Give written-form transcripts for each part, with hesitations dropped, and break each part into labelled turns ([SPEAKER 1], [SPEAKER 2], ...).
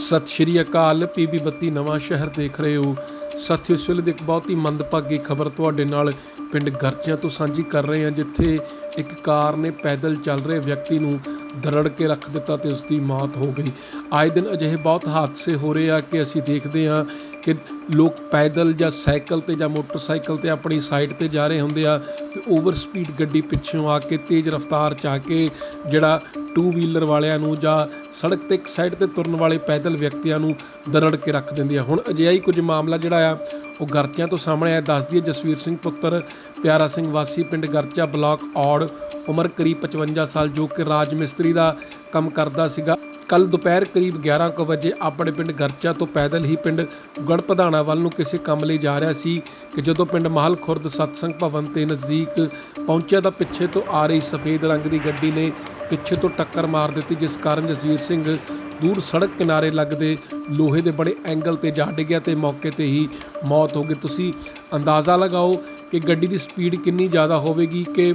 [SPEAKER 1] ਸਤਿ ਸ਼੍ਰੀ ਅਕਾਲ। PB 32 ਨਵਾਂ ਸ਼ਹਿਰ ਦੇਖ ਰਹੇ ਹੋ ਸਾਥੀਓ। ਇਸ ਵੇਲੇ ਦੀ ਇੱਕ ਬਹੁਤ ਹੀ ਮੰਦਭਾਗੀ ਖਬਰ ਤੁਹਾਡੇ ਨਾਲ ਪਿੰਡ ਗਰਚਿਆਂ ਤੋਂ ਸਾਂਝੀ ਕਰ ਰਹੇ ਹਾਂ, ਜਿੱਥੇ ਇੱਕ ਕਾਰ ਨੇ ਪੈਦਲ ਚੱਲ ਰਹੇ ਵਿਅਕਤੀ ਨੂੰ ਦਰੜ ਕੇ ਰੱਖ ਦਿੱਤਾ ਤੇ ਉਸ ਦੀ ਮੌਤ ਹੋ ਗਈ। ਆਏ ਦਿਨ ਅਜਿਹੇ ਬਹੁਤ ਹਾਦਸੇ ਹੋ ਰਹੇ ਆ ਕਿ ਅਸੀਂ ਦੇਖਦੇ ਹਾਂ ਕਿ ਲੋਕ ਪੈਦਲ ਜਾਂ ਸਾਈਕਲ ਤੇ ਜਾਂ ਮੋਟਰਸਾਈਕਲ ਤੇ ਆਪਣੀ ਸਾਈਡ ਤੇ ਜਾ ਰਹੇ ਹੁੰਦੇ ਆ ਤੇ ਓਵਰ ਸਪੀਡ ਗੱਡੀ ਪਿੱਛੋਂ ਆ ਕੇ ਤੇਜ਼ ਰਫ਼ਤਾਰ 'ਚ ਆ ਕੇ ਜਿਹੜਾ ਟੂ ਵੀਲਰ ਵਾਲਿਆਂ ਨੂੰ ਜਾਂ ਸੜਕ ਤੇ ਇੱਕ ਸਾਈਡ ਤੇ ਤੁਰਨ ਵਾਲੇ ਪੈਦਲ ਵਿਅਕਤੀਆਂ ਨੂੰ ਦਰੜ ਕੇ ਰੱਖ ਦਿੰਦੀ ਆ। ਹੁਣ ਅਜਿਹਾ ਹੀ ਕੁਝ ਮਾਮਲਾ ਜਿਹੜਾ ਆ ਉਹ ਗਰਚਿਆਂ ਤੋਂ ਸਾਹਮਣੇ ਆਇਆ। ਦੱਸਦੀ ਹੈ ਜਸਵੀਰ ਸਿੰਘ ਪੁੱਤਰ ਪਿਆਰਾ ਸਿੰਘ ਵਾਸੀ ਪਿੰਡ ਗਰਚਾ ਬਲਾਕ ਔੜ, ਉਮਰ ਕਰੀਬ 55 ਸਾਲ, ਜੋ ਕਿ ਰਾਜ ਮਿਸਤਰੀ ਦਾ ਕੰਮ ਕਰਦਾ ਸੀਗਾ। ਕੱਲ ਦੁਪਹਿਰ ਕਰੀਬ 11 ਕੁ ਵਜੇ ਆਪਣੇ ਪਿੰਡ ਗਰਚਾ ਤੋਂ ਪੈਦਲ ਹੀ ਪਿੰਡ ਗੜਪਧਾਣਾ ਵੱਲ ਨੂੰ ਕਿਸੇ ਕੰਮ ਲਈ ਜਾ ਰਿਹਾ ਸੀ ਕਿ ਜਦੋਂ ਪਿੰਡ ਮਾਹਲ ਖੁਰਦ ਸਤਸੰਗ ਭਵਨ ਤੇ ਨਜ਼ਦੀਕ ਪਹੁੰਚਿਆ ਤਾਂ ਪਿੱਛੇ ਤੋਂ ਆ ਰਹੀ ਸਫੇਦ ਰੰਗ ਦੀ ਗੱਡੀ ਨੇ ਪਿੱਛੇ ਤੋਂ ਟੱਕਰ ਮਾਰ ਦਿੱਤੀ, ਜਿਸ ਕਾਰਨ ਜਸਵੀਰ ਸਿੰਘ ਦੂਰ ਸੜਕ ਕਿਨਾਰੇ ਲੱਗਦੇ ਲੋਹੇ ਦੇ ਬੜੇ ਐਂਗਲ ਤੇ ਜਾ ਡਿੱਗਿਆ ਤੇ ਮੌਕੇ ਤੇ ਹੀ ਮੌਤ ਹੋ ਗਈ। ਤੁਸੀਂ ਅੰਦਾਜ਼ਾ ਲਗਾਓ ਕਿ ਗੱਡੀ ਦੀ ਸਪੀਡ ਕਿੰਨੀ ਜ਼ਿਆਦਾ ਹੋਵੇਗੀ ਕਿ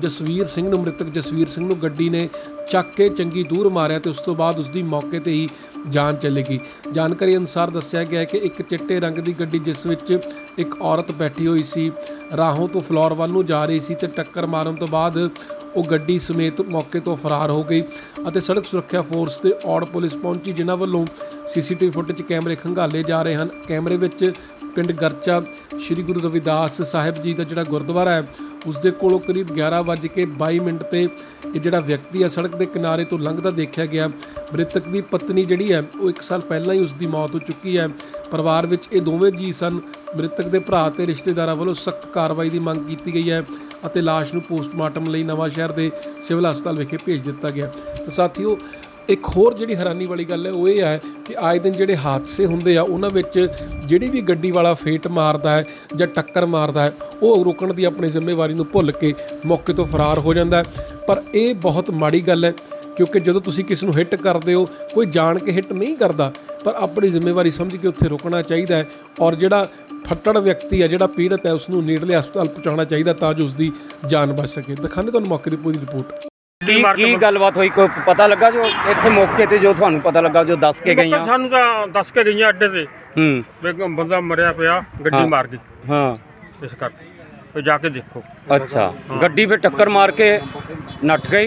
[SPEAKER 1] ਮ੍ਰਿਤਕ ਜਸਵੀਰ ਸਿੰਘ ਨੂੰ ਗੱਡੀ ਨੇ ਚੱਕ ਕੇ ਚੰਗੀ ਦੂਰ ਮਾਰਿਆ ਤੇ ਉਸ ਤੋਂ ਬਾਅਦ ਉਸ ਦੀ ਮੌਕੇ ਤੇ ਹੀ ਜਾਨ ਚਲੀ ਗਈ। ਜਾਣਕਾਰੀ ਅਨੁਸਾਰ ਦੱਸਿਆ ਗਿਆ ਕਿ ਇੱਕ ਚਿੱਟੇ ਰੰਗ ਦੀ ਗੱਡੀ ਜਿਸ ਵਿੱਚ ਇੱਕ ਔਰਤ ਬੈਠੀ ਹੋਈ ਸੀ, ਰਾਹੋਂ ਤੋਂ ਫਲੋਰ ਵੱਲ ਨੂੰ ਜਾ ਰਹੀ ਸੀ ਤੇ ਟੱਕਰ ਮਾਰਨ ਤੋਂ ਬਾਅਦ ਉਹ ਗੱਡੀ ਸਮੇਤ ਮੌਕੇ ਤੋਂ ਫਰਾਰ ਹੋ ਗਈ ਅਤੇ ਸੜਕ ਸੁਰੱਖਿਆ ਫੋਰਸ ਤੇ ਔੜ ਪੁਲਿਸ ਪਹੁੰਚੀ, ਜਿਨ੍ਹਾਂ ਵੱਲੋਂ CCTV ਫੁਟੇਜ ਕੈਮਰੇ ਖੰਗਾਲੇ ਜਾ ਰਹੇ ਹਨ। ਕੈਮਰੇ ਵਿੱਚ ਪਿੰਡ ਗਰਚਾ ਸ਼੍ਰੀ ਗੁਰੂ ਰਵਿਦਾਸ ਸਾਹਿਬ ਜੀ ਦਾ ਜਿਹੜਾ ਗੁਰਦੁਆਰਾ ਹੈ ਉਸ ਦੇ ਕੋਲੋਂ ਕਰੀਬ 11:22 ਤੇ ਇਹ ਜਿਹੜਾ ਵਿਅਕਤੀ ਆ ਸੜਕ ਦੇ ਕਿਨਾਰੇ ਤੋਂ ਲੰਘਦਾ ਦੇਖਿਆ ਗਿਆ। ਮ੍ਰਿਤਕ ਦੀ ਪਤਨੀ ਜਿਹੜੀ ਹੈ ਉਹ 1 ਸਾਲ ਪਹਿਲਾਂ ਹੀ ਉਸ ਦੀ ਮੌਤ ਹੋ ਚੁੱਕੀ ਹੈ। ਪਰਿਵਾਰ ਵਿੱਚ ਇਹ ਦੋਵੇਂ ਜੀ ਸਨ। ਮ੍ਰਿਤਕ ਦੇ ਭਰਾ ਤੇ ਰਿਸ਼ਤੇਦਾਰਾਂ ਵੱਲੋਂ ਸਖਤ ਕਾਰਵਾਈ ਦੀ ਮੰਗ ਕੀਤੀ ਗਈ ਹੈ ਅਤੇ ਲਾਸ਼ ਨੂੰ ਪੋਸਟਮਾਰਟਮ ਲਈ ਨਵਾਂ ਸ਼ਹਿਰ ਦੇ ਸਿਵਲ ਹਸਪਤਾਲ ਵਿਖੇ ਭੇਜ ਦਿੱਤਾ ਗਿਆ। ਤਾਂ ਸਾਥੀਓ, ਇੱਕ ਹੋਰ ਜਿਹੜੀ ਹੈਰਾਨੀ ਵਾਲੀ ਗੱਲ ਹੈ ਉਹ ਇਹ ਹੈ ਕਿ ਆਏ ਦਿਨ ਜਿਹੜੇ ਹਾਦਸੇ ਹੁੰਦੇ ਆ ਉਹਨਾਂ ਵਿੱਚ ਜਿਹੜੀ ਵੀ ਗੱਡੀ ਵਾਲਾ ਫੇਟ ਮਾਰਦਾ ਹੈ ਜਾਂ ਟੱਕਰ ਮਾਰਦਾ ਹੈ ਉਹ ਰੋਕਣ ਦੀ ਆਪਣੀ ਜ਼ਿੰਮੇਵਾਰੀ ਨੂੰ ਭੁੱਲ ਕੇ ਮੌਕੇ ਤੋਂ ਫਰਾਰ ਹੋ ਜਾਂਦਾ ਹੈ। ਪਰ ਇਹ ਬਹੁਤ ਮਾੜੀ ਗੱਲ ਹੈ, ਕਿਉਂਕਿ ਜਦੋਂ ਤੁਸੀਂ ਕਿਸੇ ਨੂੰ ਹਿੱਟ ਕਰਦੇ ਹੋ, ਕੋਈ ਜਾਣ ਕੇ ਹਿੱਟ ਨਹੀਂ ਕਰਦਾ, ਪਰ ਆਪਣੀ ਜ਼ਿੰਮੇਵਾਰੀ ਸਮਝ ਕੇ ਉੱਥੇ ਰੁਕਣਾ ਚਾਹੀਦਾ ਹੈ ਔਰ ਜਿਹੜਾ ਫੱਟੜ ਵਿਅਕਤੀ ਹੈ, ਜਿਹੜਾ ਪੀੜਤ ਹੈ, ਉਸ ਨੂੰ ਨੇੜਲੇ ਹਸਪਤਾਲ ਪਹੁੰਚਾਉਣਾ ਚਾਹੀਦਾ ਤਾਂ ਜੋ ਉਸ ਦੀ ਜਾਨ ਬਚ ਸਕੇ। ਦਿਖਾਉਂਦੇ ਤੁਹਾਨੂੰ ਮੌਕੇ ਦੀ ਪੂਰੀ ਰਿਪੋਰਟ।
[SPEAKER 2] ਕੀ ਗੱਲਬਾਤ ਹੋਈ, ਕੋਈ ਪਤਾ ਲੱਗਾ ਜੋ ਇੱਥੇ ਮੌਕੇ ਤੇ ਜੋ ਤੁਹਾਨੂੰ ਪਤਾ ਲੱਗਾ ਜੋ ਦੱਸ ਕੇ ਗਈਆਂ?
[SPEAKER 3] ਸਾਨੂੰ ਤਾਂ ਦੱਸ ਕੇ ਗਈਆਂ ਅੱਡੇ ਤੇ ਵੀ ਬੰਦਾ ਮਰਿਆ ਪਿਆ, ਗੱਡੀ ਮਾਰ ਗਈ। ਹਾਂ, ਇਸ ਕਰਕੇ ਜਾ ਕੇ ਦੇਖੋ।
[SPEAKER 2] ਅੱਛਾ, ਗੱਡੀ 'ਤੇ ਟੱਕਰ ਮਾਰ ਕੇ ਨੱਠ ਗਈ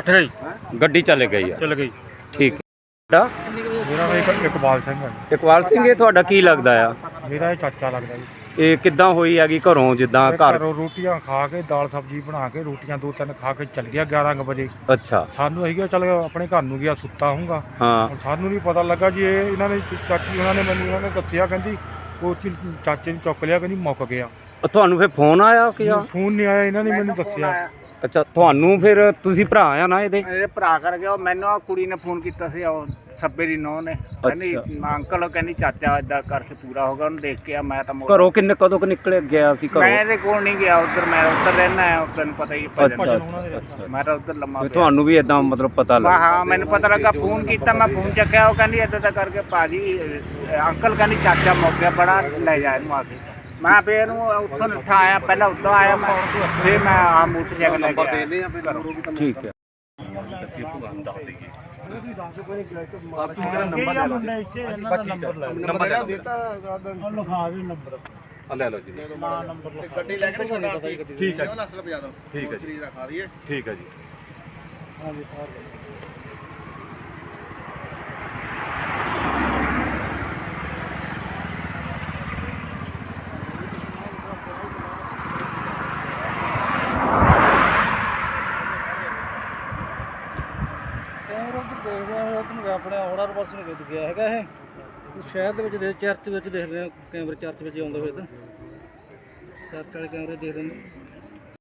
[SPEAKER 2] ਗੱਡੀ, ਚਲੇ ਗਈ। ਠੀਕ ਹੈ।
[SPEAKER 3] ਮੇਰਾ ਇਕਬਾਲ ਸਿੰਘ ਹੈ।
[SPEAKER 2] ਇਕਬਾਲ ਸਿੰਘ, ਇਹ ਤੁਹਾਡਾ ਕੀ ਲੱਗਦਾ ਆ?
[SPEAKER 3] ਮੇਰਾ ਇਹ ਚਾਚਾ ਲੱਗਦਾ ਜੀ।
[SPEAKER 2] ਇਹ ਕਿੱਦਾਂ ਹੋਈ ਹੈਗੀ? ਘਰੋਂ ਜਿੱਦਾਂ
[SPEAKER 3] ਘਰੋਂ ਰੋਟੀਆਂ ਖਾ ਕੇ, ਦਾਲ ਸਬਜ਼ੀ ਬਣਾ ਕੇ, ਰੋਟੀਆਂ 2-3 ਖਾ ਕੇ ਚੱਲ ਗਿਆ 11 ਵਜੇ।
[SPEAKER 2] ਅੱਛਾ,
[SPEAKER 3] ਸਾਨੂੰ ਅਸੀਂ ਕਿਹਾ ਚੱਲ ਆਪਣੇ ਘਰ ਨੂੰ ਗਿਆ, ਸੁੱਤਾ ਹੋਊਗਾ।
[SPEAKER 2] ਹਾਂ,
[SPEAKER 3] ਸਾਨੂੰ ਨਹੀਂ ਪਤਾ ਲੱਗਾ ਜੀ। ਇਹ ਇਹਨਾਂ ਨੇ ਚਾਚੀ ਉਹਨਾਂ ਨੇ ਦੱਸਿਆ, ਕਹਿੰਦੀ ਉਹ ਚਾਚੇ ਨੂੰ ਚੁੱਕ ਲਿਆ, ਕਹਿੰਦੀ ਮੁੱਕ ਗਿਆ।
[SPEAKER 2] ਤੁਹਾਨੂੰ ਫਿਰ ਫੋਨ ਆਇਆ ਕਿ?
[SPEAKER 3] ਫੋਨ ਨਹੀਂ ਆਇਆ, ਇਹਨਾਂ ਨੇ ਮੈਨੂੰ ਦੱਸਿਆ।
[SPEAKER 2] ਅੱਛਾ, ਤੁਹਾਨੂੰ ਫਿਰ ਤੁਸੀਂ ਭਰਾ ਆ ਨਾ ਇਹਦੇ?
[SPEAKER 4] ਇਹ ਭਰਾ ਕਰ ਗਿਆ। ਮੈਨੂੰ ਆ ਕੁੜੀ ਨੇ ਫੋਨ ਕੀਤਾ ਸੀ, ਉਹ ਸੱਬੇ ਦੀ ਨੂੰਹ ਨੇ, ਕਹਿੰਦੀ ਅੰਕਲ, ਕਹਿੰਦੀ ਚਾਚਾ ਏਦਾਂ ਕਰਕੇ ਪੂਰਾ ਹੋ ਗਿਆ, ਉਹਨੂੰ ਦੇਖ ਕੇ ਆ। ਮੈਂ ਤਾਂ
[SPEAKER 2] ਘਰੋਂ ਕਦੋਂ ਕੁ ਨਿਕਲੇ ਗਿਆ ਸੀ ਘਰੋਂ?
[SPEAKER 4] ਮੈਂ ਇਹਦੇ ਕੋਲ ਨਹੀਂ ਗਿਆ, ਉੱਧਰ ਮੈਂ ਉੱਧਰ ਰਹਿਣਾ ਹੈ, ਤੈਨੂੰ ਪਤਾ ਹੀ।
[SPEAKER 2] ਅੱਛਾ,
[SPEAKER 4] ਮੈਂ ਤਾਂ ਉੱਧਰ ਲੰਮਾ ਪਿਆ।
[SPEAKER 2] ਤੁਹਾਨੂੰ ਵੀ ਏਦਾਂ ਮਤਲਬ ਪਤਾ ਲੱਗਾ?
[SPEAKER 4] ਹਾਂ, ਮੈਨੂੰ ਪਤਾ ਲੱਗਾ। ਫੋਨ ਕੀਤਾ, ਮੈਂ ਫੋਨ ਚੱਕਿਆ, ਉਹ ਕਹਿੰਦੀ ਏਦਾਂ ਕਰਕੇ ਭਾਜੀ ਅੰਕਲ, ਕਹਿੰਦੀ ਚਾਚਾ ਮੁੱਕ ਗਿਆ, ਬੜਾ ਲੈ ਜਾ ਇਹਨੂੰ ਆ ਕੇ। ਮੈਂ ਫਿਰ ਇਹਨੂੰ ਉੱਥੋਂ ਉੱਠਾ ਆਇਆ, ਪਹਿਲਾਂ ਉੱਧਰ ਆਇਆ ਮੈਂ, ਫਿਰ ਮੈਂ ਆ ਮੋਟਰਸਾਈਕਲ ਲੈ ਕੇ।
[SPEAKER 2] ਠੀਕ ਹੈ।
[SPEAKER 3] ਲੈ ਲਓ ਜੀ, ਗੱਡੀ ਲੈ ਕੇ ਛੋਟਾ। ਠੀਕ ਹੈ, ਠੀਕ ਹੈ ਜੀ, ਠੀਕ ਹੈ ਜੀ।
[SPEAKER 5] ਆਪਣੇ ਔੜਾ ਪਾਸ ਨੂੰ ਗਿਆ ਹੈਗਾ ਇਹ ਸ਼ਹਿਰ ਦੇ ਵਿੱਚ, ਚਰਚ ਵਿੱਚ ਦੇਖ ਰਹੇ ਹਾਂ ਕੈਮਰੇ, ਚਰਚ ਵਿੱਚ ਆਉਂਦਾ ਹੋਇਆ ਤਾਂ ਚਰਚ ਵਾਲੇ ਕੈਮਰੇ ਦੇਖ ਰਹੇ ਨੇ।